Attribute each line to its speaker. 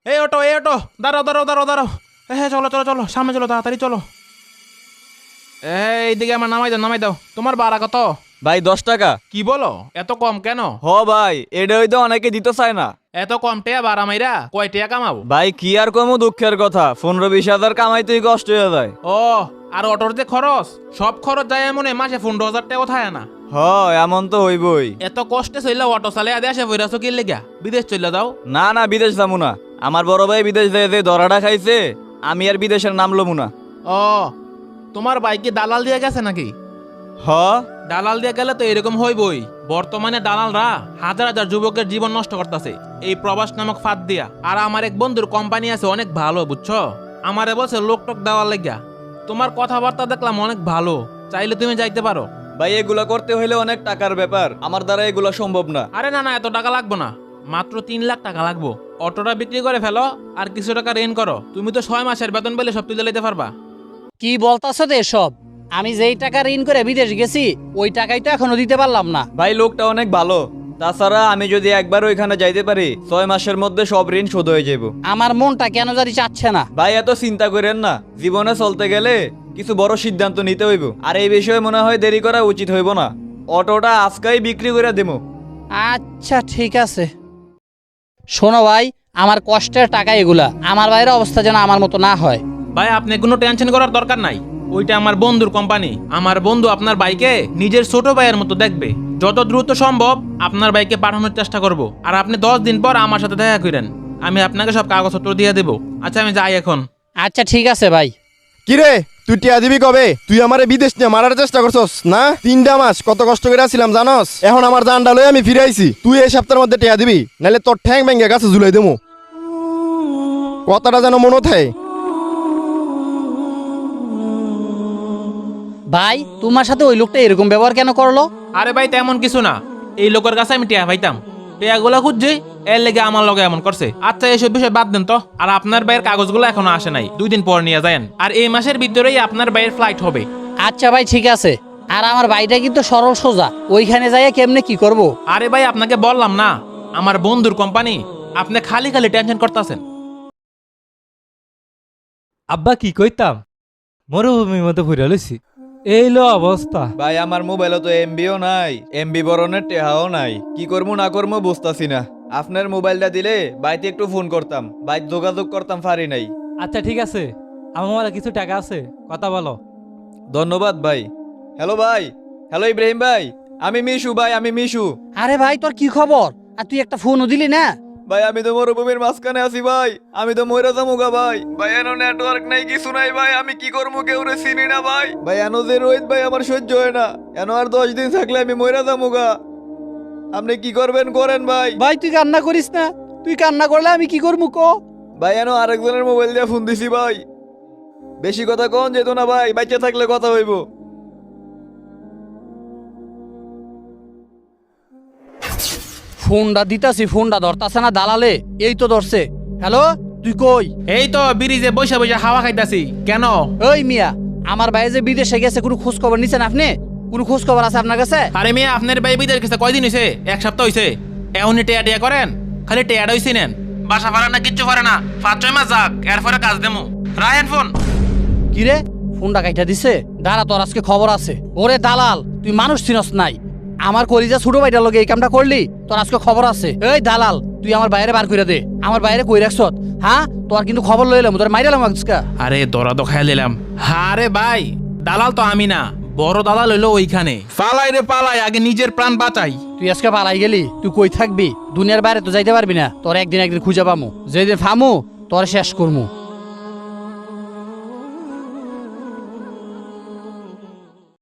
Speaker 1: এই অটো দাঁড়াও দাঁড়াও দাঁড়াও দাঁড়াও। হ্যাঁ চলো চলো চলো, সামনে চলো, তাড়াতাড়ি চলো। এইদিকে আমার নামাই দাও। তোমার ভাড়া কত?
Speaker 2: ভাই 10 টাকা।
Speaker 1: কি বলো, এত কম কেন?
Speaker 2: ভাই এটা হয়তো অনেকে দিতে চায় না।
Speaker 1: এত কম টেয়া ভাড়া মাইরা কয় টেয়া কামাবো?
Speaker 2: ভাই কি আর কমু, দুঃখের কথা 15-20 হাজার কামাইতেই কষ্ট হয়ে যায়।
Speaker 1: ও, আর অটোর যে খরচ, সব খরচ যায় মনে মাসে 15,000 টাকা থাকে না?
Speaker 2: এমন তো হইবই।
Speaker 1: এত কষ্টে চললে অটো চালে আদে আসে বইরাছো কি লেগা? বিদেশ চলে যাও।
Speaker 2: না বিদেশ যাবো না। আমার বড় ভাই বিদেশ যায় যে ধরাটা খাইছে, আমি আর বিদেশের নাম লমু না।
Speaker 1: ও, তোমার বাইকে দালাল দিয়ে গেছে নাকি? দালাল দিয়ে গেলে তো এরকম হইবই। বর্তমানে দালালরা হাজার হাজার যুবকের জীবন নষ্ট করতেছে এই প্রবাস নামক ফাঁদ দিয়া। আর আমার এক বন্ধুর কোম্পানি আছে অনেক ভালো, বুঝছো? আমারে বলছে লোক টোক দেওয়ার লেগা। তোমার কথাবার্তা দেখলাম অনেক ভালো, চাইলে তুমি যাইতে পারো।
Speaker 2: ভাই এগুলা করতে হইলে অনেক টাকার ব্যাপার, আমার দ্বারা এগুলা সম্ভব না।
Speaker 1: আরে না, এত টাকা লাগবো না, মাত্র 3 লাখ টাকা লাগবো। অটোটা বিক্রি করে ফেলো আর কিছু টাকা ঋণ করো। তুমি তো 6 মাসের বেতন পেলে সব তুলে নিতে পারবা।
Speaker 3: কি বলতাছো তো এসব? আমি যেই টাকা ঋণ করে বিদেশ গেছি ওই টাকাই তো এখনো দিতে পারলাম না।
Speaker 2: ভাই লোকটা অনেক ভালো, তাছাড়া আমি যদি একবার ওইখানে যাইতে পারি 6 মাসের মধ্যে সব ঋণ শোধ হয়ে যাবো।
Speaker 3: আমার মনটা কেন জানি চাচ্ছে না।
Speaker 2: ভাই এত চিন্তা করেন না, জীবনে চলতে গেলে কিছু বড় সিদ্ধান্ত নিতে হইব, আর এই বিষয়ে মনে হয় দেরি করা উচিত হইব না। অটোটা আজকেই বিক্রি করে দেবো।
Speaker 3: আচ্ছা ঠিক আছে। শোনো ভাই, আমার কষ্টের টাকা এগুলা, আমার বাইরের অবস্থা যেন আমার মতো না হয়।
Speaker 1: ভাই আপনি কোনো টেনশন করার দরকার নাই, ওইটা আমার বন্ধুর কোম্পানি। আমার বন্ধু আপনার বাইকে নিজের ছোট ভাইয়ের মতো দেখবে। যত দ্রুত সম্ভব আপনার বাইকে পাঠানোর চেষ্টা করব। আর আপনি 10 দিন পর আমার সাথে দেখা করেন, আমি আপনাকে সব কাগজপত্র দিয়ে দেবো। আচ্ছা আমি যাই এখন।
Speaker 3: আচ্ছা ঠিক আছে ভাই।
Speaker 4: কিরে তুই টিয়া দিবি কবে? তুই আমারে বিদেশ নিয়ে মারার চেষ্টা করছস না? 3টা মাস কত কষ্ট করে আসছিলাম জানস? এখন আমার জানটা লয়ে আমি ফিরে আইছি। তুই এই সপ্তাহের মধ্যে টিয়া দিবি, নাহলে তোর ঠ্যাং ভেঙে গাছে ঝুলাই দেবো। কথাটা যেন মনে থাকে।
Speaker 3: ভাই তোমার সাথে ওই লোকটা এরকম ব্যবহার কেন করলো?
Speaker 1: আরে ভাই তেমন কিছু না, এই লোকের কাছে আমি টিয়া পাইতাম, টিয়াগুলো খুঁজছি, এর লেগে আমার লগে এমন করছে। আচ্ছা এসব বিষয় বাদ দেন তো। আর আপনার ভাইয়ের কাগজগুলো এখনো আসে নাই, 2 দিন পর নিয়ে যান। আর এই মাসের ভিতরেই আপনার ভাইয়ের ফ্লাইট হবে।
Speaker 3: আচ্ছা ভাই ঠিক আছে। আর আমার ভাইটা কিন্তু সরল সোজা, ওইখানে যাইয়া কেমনে কি করব?
Speaker 1: আরে ভাই আপনাকে বললাম না, আমার বন্ধুর কোম্পানি, আপনি খালি খালি টেনশন করতেছেন।
Speaker 5: আব্বা কি কইতাম, মরুভূমির মধ্যে ঘুরে লইছি, এই লো অবস্থা।
Speaker 2: ভাই আমার মোবাইলে তো এমবিও নাই, এমবি বরণের টেহাও নাই, কি করবো না করবো বুঝতাছি না। আপনার মোবাইলটা দিলে বাইতে একটু ফোন করতাম, বাইতে যোগাযোগ করতাম, পারি নাই।
Speaker 5: আচ্ছা ঠিক আছে, আমার মোবাইলে কিছু টাকা আছে, কথা বলো।
Speaker 2: ধন্যবাদ ভাই। হ্যালো ভাই, হ্যালো ইব্রাহিম ভাই, আমি মিশু ভাই, আমি মিশু।
Speaker 3: আরে ভাই তোর কি খবর? আর তুই একটা ফোনও দিলি না?
Speaker 2: ভাই আমি তো মরুভূমির মাঝখানে আছি ভাই, আমি তো মইরা যামুগা ভাই। ভাই এনো নেটওয়ার্ক নাই, কিছু নাই ভাই, আমি কি করবো কেউ রে চিনি না ভাই। ভাই এনো যে রোহিত ভাই আমার সহ্য হয় না, এনো আর 10 দিন থাকলে আমি মইরা যামুগা। আপনি কি করবেন করেন ভাই।
Speaker 3: ভাই তুই কান্না করিস না, তুই কান্না করলে আমি কি করবো ক?
Speaker 2: ভাই এনো আরেকজনের মোবাইল দিয়ে ফোন দিছি ভাই, বেশি কথা কোন যেত না ভাই, বাচ্চা থাকলে কথা হইব।
Speaker 3: ফোনটা দিতাছি, ফোনটা ধরতাছে না দালালে। এই তো ধরছে। হ্যালো, তুই কই?
Speaker 1: এই তো ব্রিজে বসে বসে হাওয়া খাইতাছি। কেন?
Speaker 3: ওই মিয়া, আমার ভাই যে বিদেশে গেছে, কোনো খোঁজ খবর নিছেন আপনি? কোনো খোঁজ খবর আছে আপনার কাছে?
Speaker 1: আরে মেয়ে আপনার ভাই বিদের কাছে কয়দিন হয়েছে? 1 সপ্তাহ হয়েছে। এখনই টেয়া টেয়া করেন, খালি টেয়াটা হয়েছি নেন। বাসা পারে না, কিচ্ছু পারে না। 5-6 মাস যাক, এরপরে কাজ দেমো। রায়ন ফোন।
Speaker 3: কি রে, ফোনটা কাইটা দিছে? দাঁড়া, তোর আজকে খবর আছে। ওরে দালাল, তুই মানুষ চিনস নাই। আমার কলিজা ছোট ভাইটার লগে এই কামটা করলি, তোর আজকে খবর আছে। এই দালাল, তুই আমার বাইরে বার করে দে। আমার বাইরে কই রাখছত? হ্যাঁ, তোর কিন্তু খবর লইলাম, তোর মাইরালাম আজকে।
Speaker 1: আরে দরা তো খাইয়া দিলাম। আরে ভাই, দালাল তো আমি না, বড় দালাল হইলো ওইখানে। পালাই রে পালাই, আগে নিজের প্রাণ বাঁচাই।
Speaker 3: তুই আজকে পালাই গেলি, তুই কই থাকবি? দুনিয়ার বাইরে তো যাইতে পারবি না। তোর একদিন খুঁজে পামু, যেদিন ফামু তোর শেষ করমু।